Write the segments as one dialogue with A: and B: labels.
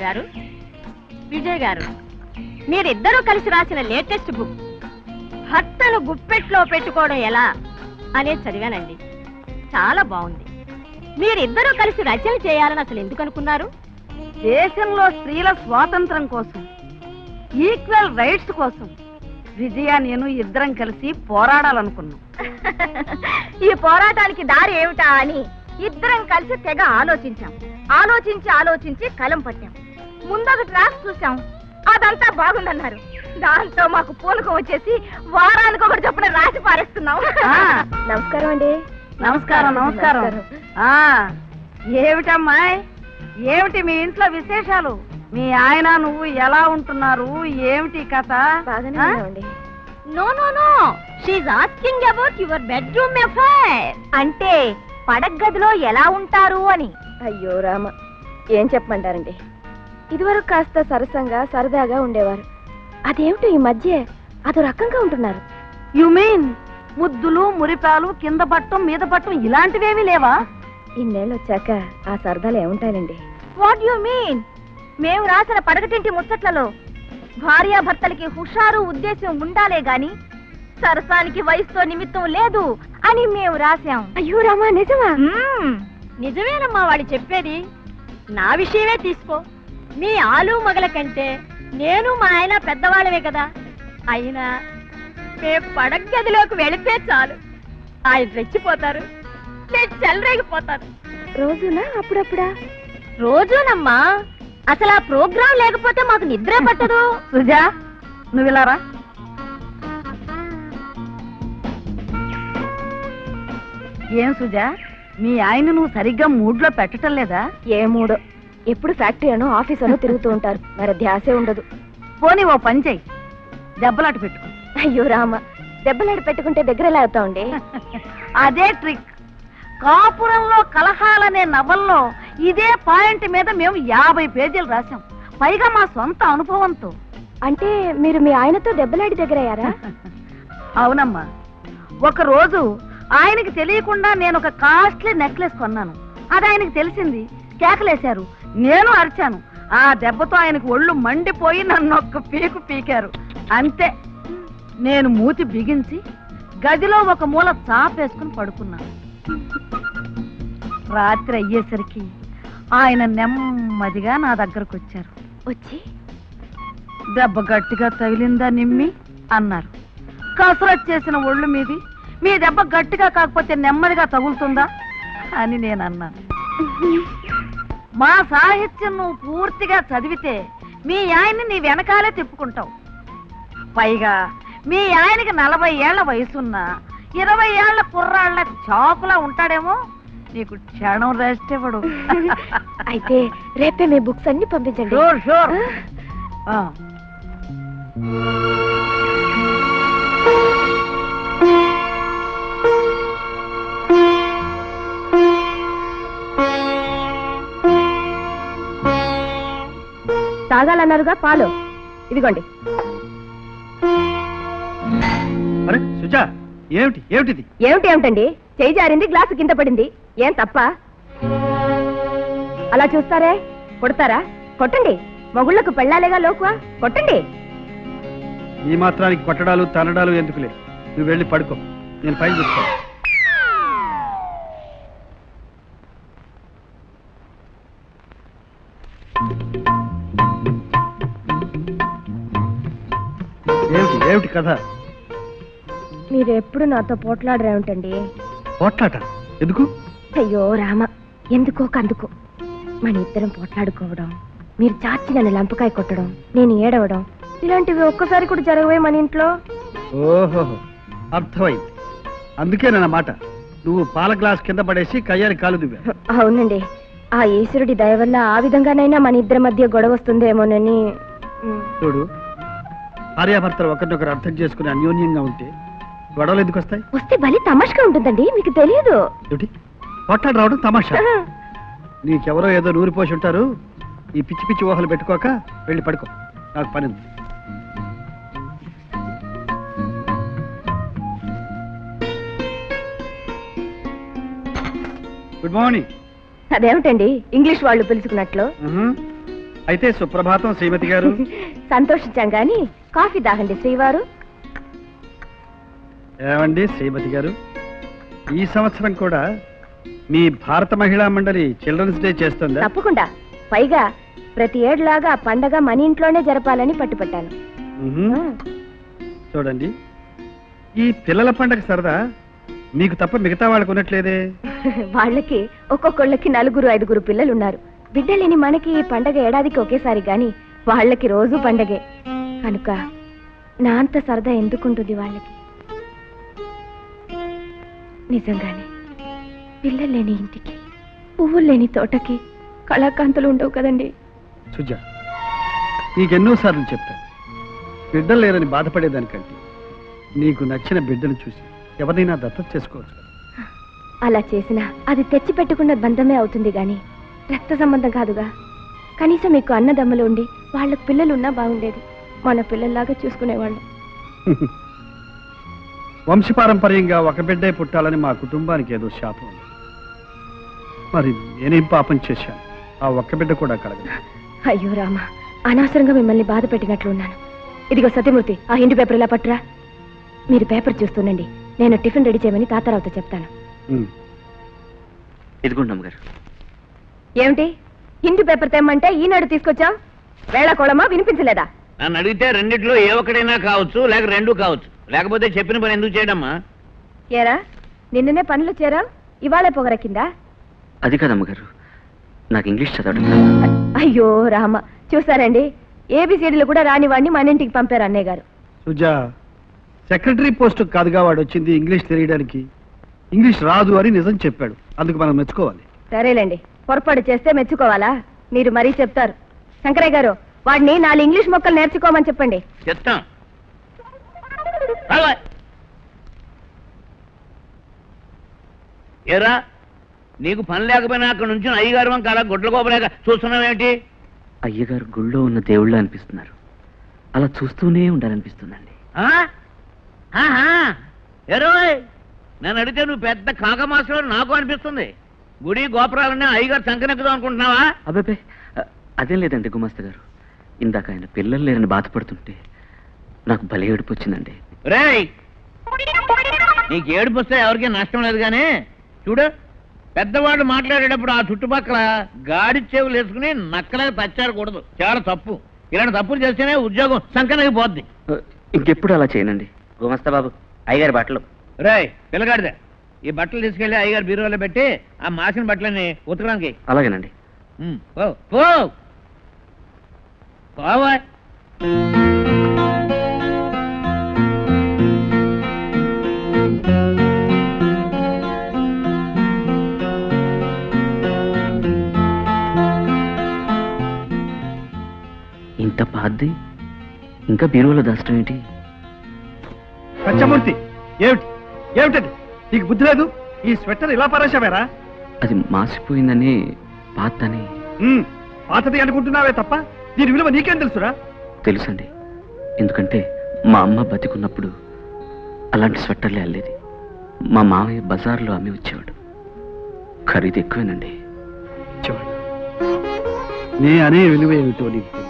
A: గారు, విజయ్ గారు, మీరిద్దరూ కలిసి రాసిన లేటెస్ట్ బుక్ భర్తను గుప్పెట్లో పెట్టుకోవడం ఎలా అనేది చదివానండి. చాలా బాగుంది. మీరిద్దరూ కలిసి రచన చేయాలని అసలు ఎందుకు అనుకున్నారు?
B: దేశంలో స్త్రీల స్వాతంత్రం కోసం, ఈక్వల్ రైట్స్ కోసం విజయ నేను ఇద్దరం కలిసి పోరాడాలనుకున్నాం.
A: ఈ పోరాటానికి దారి ఏమిటా అని ఇద్దరం కలిసి తెగ ఆలోచించాం. ఆలోచించి కలం పట్టాం. ముందొక డ్రాఫ్ట్ చూసాం, అదంతా బాగుందన్నారు. దాంతో మాకు పూనకం వచ్చేసి వారానికి ఒకటి చొప్పున రాసి పారేస్తున్నాం. నమస్కారం అండి.
B: నమస్కారం. ఏమిటమ్మా, ఏమిటి మీ ఇంట్లో విశేషాలు? మీ ఆయన నువ్వు ఎలా ఉంటున్నారు? ఏమిటి కథ?
A: No no no, she's asking about your bedroom affair. అంటే పడగదిలో ఎలా ఉంటారు అని.
C: అయ్యో రామ, ఏం చెప్పమంటారండి. ఇదివరకు కాస్త సరసంగా సరదాగా ఉండేవారు. అదేమిటో ఈ మధ్య అదో రకంగా ఉంటున్నారు.
B: యు మీన్ ముద్దులు, మురిపాలు, కింద పట్టం మీద పట్టం ఇలాంటివేమీ లేవా?
C: ఇన్నేళ్ళు వచ్చాక ఆ సరదాలు ఏముంటాయండి.
A: What you mean? మేము రాసిన పడగటింటి ముచ్చట్లలో భార్యాభర్తలకి హుషారు ఉద్దేశం ఉండాలే గాని సరసానికి వయసుతో నిమిత్తం లేదు అని మేము రాశాం.
C: అయ్యో రామా, నిజమా?
A: నిజమేనమ్మా వాడు చెప్పేది. నా విషయమే తీసుకో. మీ ఆలు మగల కంటే నేను మా ఆయన పెద్దవాళ్ళమే కదా. అయినా మేము పడగదిలోకి వెళితే చాలు, ఆయన రెచ్చిపోతారు, నేను చెలరేగిపోతాను.
C: రోజునా అప్పుడప్పుడా?
A: రోజునమ్మా. అసలు ఆ ప్రోగ్రాం లేకపోతే మాకు నిద్రే పట్టదు.
B: సుజా, నువ్వు ఇలారా. ఏం సుజా, మీ ఆయన నువ్వు సరిగ్గా మూడ్లో పెట్టడం లేదా?
C: ఏ మూడో, ఎప్పుడు ఫ్యాక్టరీ అనో ఆఫీస్ అనో తిరుగుతూ ఉంటారు, మరి ధ్యాసే ఉండదు.
B: పోనీ ఓ పని చెయ్యి, దెబ్బలాట పెట్టుకో.
C: అయ్యో రామ, దెబ్బలాట పెట్టుకుంటే దగ్గర ఎలా అవుతామండి?
B: అదే ట్రిక్. కాపురంలో కలహాలనే నవల్లో ఇదే పాయింట్ మీద మేము 50 పేజీలు రాశాం, పైగా మా సొంత అనుభవంతో.
C: అంటే మీరు మీ ఆయనతో దెబ్బలాడి దగ్గరయ్యారా?
B: అవునమ్మా. ఒక రోజు ఆయనకి తెలియకుండా నేను ఒక కాస్ట్లీ నెక్లెస్ కొన్నాను. అది ఆయనకి తెలిసింది. కేకలేశారు, నేను అరిచాను. ఆ దెబ్బతో ఆయనకు ఒళ్ళు మండిపోయి నన్ను ఒక్క పీకు పీకారు. అంతే, నేను మూతి బిగించి గదిలో ఒక మూల చాపేసుకుని పడుకున్నాను. రాత్రి అయ్యేసరికి ఆయన నెమ్మదిగా నా దగ్గరకు వచ్చారు.
C: వచ్చి
B: దెబ్బ గట్టిగా తగిలిందా నిమ్మి అన్నారు. కసరత్ చేసిన ఒళ్ళు మీది, మీ దెబ్బ గట్టిగా కాకపోతే నెమ్మదిగా తగులుతుందా అని నేను అన్నాను. మా సాహిత్యం నువ్వు పూర్తిగా చదివితే మీ ఆయన్ని నీ వెనకాలే తిప్పుకుంటావు. పైగా మీ ఆయనకి 40 ఏళ్ల వయసున్నా 20 ఏళ్ల కుర్రాళ్ల చాకులా ఉంటాడేమో. నీకు క్షణం రెస్ట్ ఇవ్వడు.
C: అయితే రేపే మీ బుక్స్ అన్ని పంపించండి.
B: Sure sure.
C: తాగాలన్నారుగా పాలు, ఇదిగోండి.
D: ఏమిటి ఏమిటిది?
C: ఏమిటి ఏమిటండి? చేయి జారింది, గ్లాసు కింద పడింది. ఏం తప్ప? అలా చూస్తారే, కొడతారా? కొట్టండి. మొగుళ్లకు పెళ్ళాలేగా లోకువా, కొట్టండి.
D: ఈ మాత్రానికి కొట్టడాలు తనడాలు ఎందుకులే, నువ్వు వెళ్ళి పడుకో, నేను పైన చూసుకో. ఏమిటి ఏమిటి కథ?
C: మీరెప్పుడు నాతో పోట్లాడరేమిటండి?
D: పోట్లాట ఎందుకు?
C: అయ్యో రామ, ఎందుకో కందుకో. మన ఇద్దరం పోట్లాడుకోవడం, మీరు చాచి నన్ను లంపకాయ కొట్టడం, నేను ఏడవడం, ఇలాంటివి ఒక్కసారి కూడా జరగవే మన ఇంట్లో.
D: ఓహో, అర్థమైంది. అందుకే నా మాట, నువ్వు పాల గ్లాస్ కింద పడేసి కయ్యాలి కాలు దువ్వా.
C: అవునండి, ఆ ఈశ్వరుడి దయ వల్ల ఆ విధంగానైనా మన ఇద్దరి మధ్య గొడవ వస్తుందేమోనని.
D: చూడు, భార్యాభర్తలు ఒకరినొకరు అర్థం చేసుకుని అన్యోన్యంగా ఉంటే గొడవలు ఎందుకు వస్తాయి?
C: వస్తే బలి తమాషగా ఉంటుందండి, మీకు తెలియదు.
D: పోట్లాడు రావడం తమాషా? నీకెవరో ఏదో నూరిపోసి ఉంటారు. ఈ పిచ్చి పిచ్చి ఊహలు పెట్టుకోక వెళ్ళి పడుకో, నాకు పని ఉంది. Good morning.
C: అదేమిటండి ఇంగ్లీష్ వాళ్ళు పిలుచుకున్నట్లు?
D: అయితే సుప్రభాతం శ్రీమతి గారు.
C: సంతోషించాం గాని కాఫీ దాగండి శ్రీవారు.
D: ఏమండి శ్రీమతి గారు, ఈ సంవత్సరం కూడా మీ భారత మహిళా మండలి చిల్డ్రన్స్ డే చేస్తుందా?
C: తప్పకుండా. పైగా ప్రతి ఏడులాగా ఆ పండగ మన ఇంట్లోనే జరపాలని పట్టుపట్టాను.
D: చూడండి, ఈ పిల్లల పండగ సరదా మీకు తప్ప మిగతా వాళ్ళకు ఉన్నట్లేదే.
C: వాళ్ళకి ఒక్కొక్కళ్ళకి 4-5 పిల్లలున్నారు. బిడ్డలేని మనకి ఈ పండగ ఏడాదికి ఒకేసారి గాని వాళ్ళకి రోజు పండగే కనుక నా అంత సరదా ఎందుకుంటుంది వాళ్ళకి? నిజంగానే పిల్లలు లేని ఇంటికి, పువ్వులు లేని తోటకి కళాకాంతులు ఉండవు కదండి.
D: సుజా, నీకెన్నోసార్లు చెప్పాను, బిడ్డలు లేరని బాధపడేదానికంటే నీకు నచ్చిన బిడ్డను చూసి ఎవరినైనా దత్తత చేసుకోవచ్చు.
C: అలా చేసినా అది తెచ్చి పెట్టుకున్న బంధమే అవుతుంది గాని రక్త సంబంధం కాదుగా. కనీసం మీకు అన్నదమ్ములు ఉండి వాళ్ళకు పిల్లలున్నా బాగుండేది. మన పిల్లల్లాగా చూసుకునేవాళ్ళు.
D: వంశపారంపర్యంగా ఒక బిడ్డే పుట్టాలని మా కుటుంబానికి ఏదో శాపం ఉంది. మరి నేనేం పాపం చేశాను? ఆ ఒక్క బిడ్డ కూడా కలగదు.
C: అయ్యో రామ, అనవసరంగా మిమ్మల్ని బాధ పెట్టినట్లున్నాను. ఇదిగో సత్యమూర్తి, ఆ హిందీ పేపర్ ఇలా పట్టురా. మీరు పేపర్ చూస్తుండండి, నేను టిఫిన్ రెడీ చేయమని తాతారావుతో చెప్తాను.
E: ఇదిగోండి అమ్మగారు.
C: ఏమిటి హిందీ పేపర్ తెమ్మంటే ఈనాడు తీసుకొచ్చావు? వేళకోళమా, వినిపించలేదా?
E: నన్ను అడిగితే రెండిట్లో ఏ ఒక్కడైనా కావచ్చు, లేక రెండు కావచ్చు. లేకపోతే చెప్పిన పని ఎందుకు చేయడమ్మా?
C: ఏరా, నిన్ననే పనులు చేరావు, ఇవాళే పొగరకిందా?
E: అది కాదమ్మగారు, నాకు ఇంగ్లీష్ చదవడం.
C: అయ్యో రామ, చూసారండి, ఏబిసిడీలు కూడా రాని వాడిని మన ఇంటికి పంపారు అన్నయ్య గారు.
D: సుజా, సెక్రటరీ పోస్ట్ కాదుగా వాడు వచ్చింది ఇంగ్లీష్ తెలియడానికి. ఇంగ్లీష్ రాదు అని నిజం చెప్పాడు, అందుకు మనం మెచ్చుకోవాలి.
C: సరేలేండి, పొరపాటు చేస్తే మెచ్చుకోవాలా? మీరు మరీ చెప్తారు. శంకరయ్య గారు, వాడిని 4 ఇంగ్లీష్ మొక్కలు నేర్చుకోమని చెప్పండి.
E: చెప్తాం. ఏరా, నీకు పని లేకపోయినా అక్కడ నుంచి అయ్యగారు వంక అలా గుడ్ల కోపలేక చూస్తున్నావేంటి? అయ్యగారు గుళ్ళో ఉన్న దేవుళ్ళు అనిపిస్తున్నారు. అలా చూస్తూనే ఉండాలనిపిస్తుందండి. ఏరోయ్, నేను అడిగితే నువ్వు పెద్ద కాకమాసం నాకు అనిపిస్తుంది. గుడి గోపురాలన్నీ అయ్యగారు సంకనెక్కుదాం అనుకుంటున్నావా? అబ్బాయి, అదేం లేదండి గుమస్తా గారు. ఇందాక ఆయన పిల్లలు లేరని బాధపడుతుంటే నాకు భలే ఏడుపు వచ్చిందండి. రేయ్, నీకు ఏడుపు వస్తే ఎవరికీ నష్టం లేదు కానీ చూడు, పెద్దవాళ్ళు మాట్లాడేటప్పుడు ఆ చుట్టుపక్కల గాడి చెవులు వేసుకుని నక్కలకు తచ్చారకూడదు. చాలా తప్పు. ఇలాంటి తప్పులు చేస్తేనే ఉద్యోగం సంకనకి పోద్ది. ఇంకెప్పుడు అలా చేయనండి గుమస్తా బాబు. అయ్యగారి బట్టలు. రేయ్ పిల్లగాడిదే, ఈ బట్టలు తీసుకెళ్లి అయ్యగారి బీరువాలో పెట్టి ఆ మాసిన బట్టలని ఉతకడానికి. అలాగేనండి. పోవా. ఇంత పాద్ది ఇంకా బీరువాలో దాచడం ఏంటి?
D: సత్యమూర్తి, ఏమిటి ఏమిటది? నీకు బుద్ధి లేదు? ఈ స్వెటర్ ఇలా పరేశావేరా?
E: అది మాసిపోయిందని పాతని.
D: పాతది అనుకుంటున్నావే తప్ప దీని విలువ నీకేం తెలుసురా?
E: తెలుసండి, ఎందుకంటే మా అమ్మ బతికున్నప్పుడు అలాంటి స్వెట్టర్లే అల్లేది. మా మామయ్య బజార్లో అమ్మి వచ్చేవాడు. ఖరీదు ఎక్కువేనండి.
D: నే అనే విలువ ఏమిటో నీకు తెలియదు.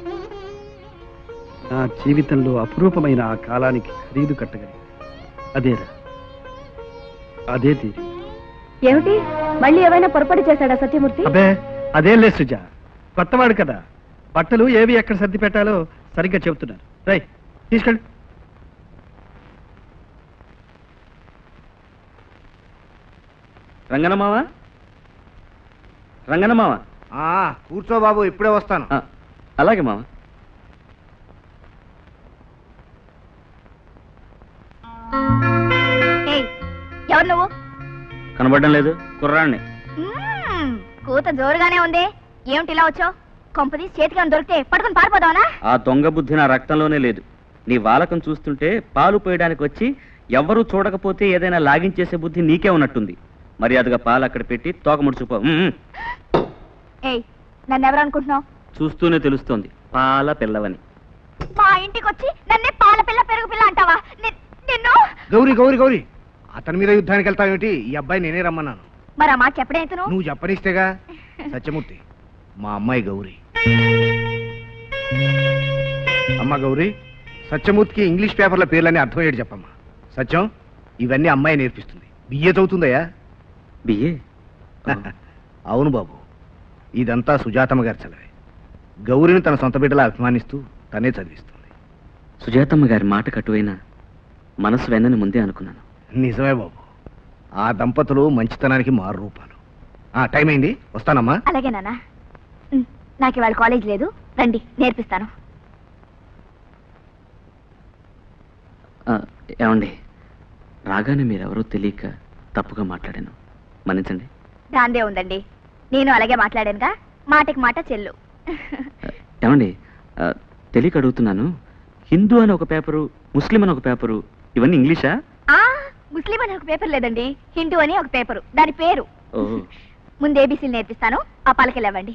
D: నా జీవితంలో అపురూపమైన ఆ కాలానికి ఖరీదు కట్టగలి అదేరా, అదే తీరి.
C: ఏమిటి, మళ్ళీ ఏమైనా పొరపాటు చేశాడా సత్యమూర్తి?
D: అబ్బే అదేం లేదు సుజా, కొత్తవాడు కదా, బట్టలు ఏవి ఎక్కడ సర్ది పెట్టాలో సరిగ్గా చెబుతున్నారు. రై తీసుకెళ్ళి.
E: రంగనమావా, రంగనమావా.
F: కూర్చో బాబు, ఇప్పుడే వస్తాను.
E: అలాగే మావా.
A: ఎవరు నువ్వు?
E: కనబడడం లేదు, కుర్రాన్ని.
A: కూత జోరుగానే ఉంది. ఏమిటి ఇలా వచ్చావు? కొంపది చేతికి దొరికితే పట్టుకుని పారిపోదావనా?
E: ఆ దొంగ బుద్ధి నా రక్తంలోనే లేదు. నీ వాలకం చూస్తుంటే పాలు పోయడానికి వచ్చి ఎవ్వరూ చూడకపోతే ఏదైనా లాగించేసే బుద్ధి నీకే ఉన్నట్టుంది. మర్యాదగా పాలు అక్కడ పెట్టి తోక ముడుచుకో.
A: ఏయ్, నన్ను ఎవరు అనుకుంటున్నావు?
E: చూస్తూనే తెలుస్తోంది పాల పిల్లవని.
A: మా ఇంటికి వచ్చి నన్నే పాల పిల్ల పెరుగు పిల్ల అంటావా? నిన్ను.
F: గౌరీ గౌరీ గౌరీ, అతని మీద యుద్ధానికి వెళ్తావేమిటి? ఈ అబ్బాయి నేనే రమ్మన్నాను.
A: మరి ఆ మాట చెప్పడేంత
F: నువ్వు చెప్పనిస్తేగా. సత్యమూర్తి, మా అమ్మాయి గౌరీ. అమ్మా గౌరీ, సత్యమూర్తికి ఇంగ్లీష్ పేపర్ల పేర్లన్నీ అర్థమయ్యేది చెప్పమ్మా. సత్యం, ఇవన్నీ అమ్మాయి నేర్పిస్తుంది. బిఏ చదువుతుందయ్యా.
E: బిఏ?
F: అవును బాబు, ఇదంతా సుజాతమ్మ గారి చలవే. గౌరిని తన సొంత బిడ్డలా అభిమానిస్తూ తనే చదివిస్తుంది.
E: సుజాతమ్మ గారి మాట కటువైనా మనసు వెన్నని ముందే అనుకున్నాను.
F: నిజమే బాబు, ఆ దంపతులు మంచితనానికి మారు రూపాలు. టైం అయింది, వస్తానమ్మా.
C: అలాగే నాన్న. నాకు ఇవాళ కాలేజ్ లేదు, రండి నేర్పిస్తాను.
E: ఏమండి, రాగానే మీరెవరో తెలియక తప్పుగా మాట్లాడాను, మన్నించండి.
C: దాందే ఉందండి, నేను అలాగే మాట్లాడానుగా, మాటకి మాట చెల్లు.
E: ఏమండి, తెలియక అడుగుతున్నాను, హిందూ అని ఒక పేపరు, ముస్లిం అని ఒక పేపరు, ఇవన్నీ ఇంగ్లీషా?
C: ముస్లిం అని ఒక పేపర్ లేదండి, హిందూ అని ఒక పేపరు, దాని పేరు.
E: ఓ,
C: ముందు ఏబీసీలు నేర్పిస్తాను, ఆ పలకలేవండి.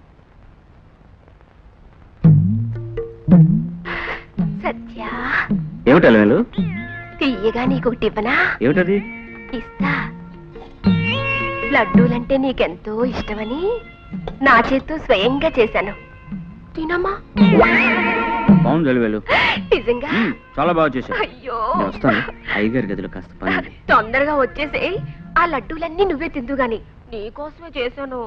C: సత్య,
E: ఏమిటి అలవేలు?
C: తీయగా నీకొకటి ఇవ్వనా?
E: ఏమిటది?
C: ఇస్తా. లడ్డూలంటే నీకెంతో ఇష్టమని నా చేత్తో స్వయంగా చేశాను, తినమ్మా.
E: బాగుంది అలవేలు,
C: నిజంగా
E: చాలా బాగా చేశావు.
C: అయ్యో,
E: నేను వస్తాను, అయ్యగారి గదిలో కాస్త పని ఉంది.
C: తొందరగా వచ్చేసి ఆ లడ్డూలన్నీ నువ్వే తిందు గాని, నీకోసమే చేశాను.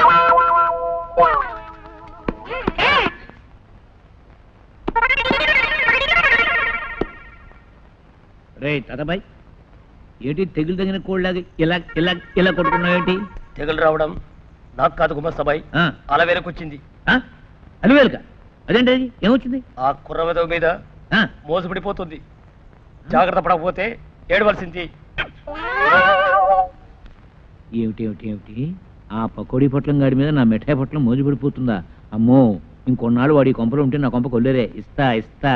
G: రే తాతాబాయ్, ఏంటి తెగులు తగిన కోళ్ళగా ఇలా ఇలా ఇలా కొట్టుకున్నావేంటి?
H: తెగులు రావడం నాకు కాదు గుమస్తాబాయ్, అలా వెనకొచ్చింది.
G: అలివేలుక అదేంటి, అది ఏమొచ్చింది?
H: ఆ కుర్రవెదవ మీద మోసపడిపోతుంది. జాగ్రత్త పడకపోతే ఏడవలసింది.
G: ఏమిటి ఏమిటి ఏమిటి, ఆ పకోడీ పొట్లం గాడి మీద నా మిఠాయి పొట్లం మోజుపడిపోతుందా? అమ్మో, ఇంకొన్నాళ్ళు వాడి కొంపలు ఉంటే నా కొంప కొల్లేరే. ఇస్తా ఇస్తా.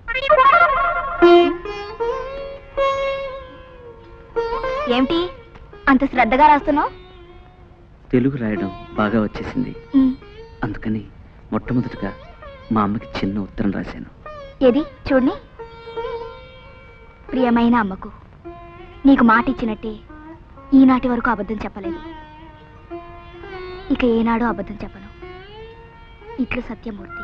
C: ఏమిటి అంత శ్రద్ధగా రాస్తున్నావు?
E: తెలుగు రాయడం బాగా వచ్చేసింది, అందుకని మొట్టమొదటిగా మా అమ్మకి చిన్న ఉత్తరం రాశాను.
C: ఏది చూడని. ప్రియమైన అమ్మకు, నీకు మాట ఇచ్చినట్టే ఈనాటి వరకు అబద్ధం చెప్పలేదు, ఇక ఏనాడో అబద్ధం చెప్పను. ఇట్లు సత్యమూర్తి.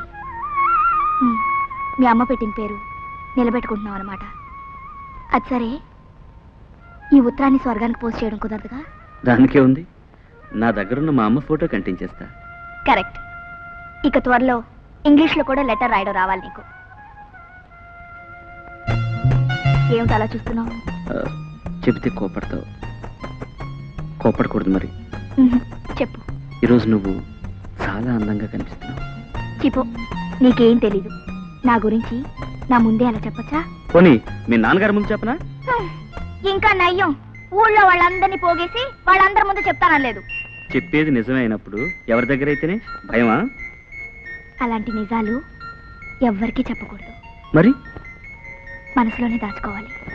C: మీ అమ్మ పెట్టిన పేరు నిలబెట్టుకుంటున్నావు అన్నమాట. అది సరే, ఈ ఉత్తరాన్ని స్వర్గానికి పోస్ట్ చేయడం కుదరదుగా?
E: దానికే ఉంది, నా దగ్గరున్న మా అమ్మ ఫోటో కంటించేస్తా.
C: కరెక్ట్. ఇక త్వరలో ఇంగ్లీష్లో కూడా లెటర్ రాయడం రావాలి నీకు. ఏమిటి అలా చూస్తున్నావు?
E: చెబితే కోపడతావు. కోపడకూడదు మరి.
C: చెప్పు.
E: ఈరోజు నువ్వు చాలా అందంగా కనిపిస్తున్నావు.
C: చిపో, నీకేం తెలీదు. నా గురించి నా ముందే అలా చెప్పచ్చా?
E: పోనీ మీ నాన్నగారి ముందు చెప్పనా?
C: ఇంకా నయ్యం, ఊళ్ళో వాళ్ళందరినీ పోగేసి వాళ్ళందరి ముందు చెప్తానలేదు.
E: చెప్పేది నిజమే అయినప్పుడు ఎవరి దగ్గర అయితేనే భయమా?
C: అలాంటి నిజాలు ఎవ్వరికీ చెప్పకూడదు,
E: మరి
C: మనసులోనే దాచుకోవాలి.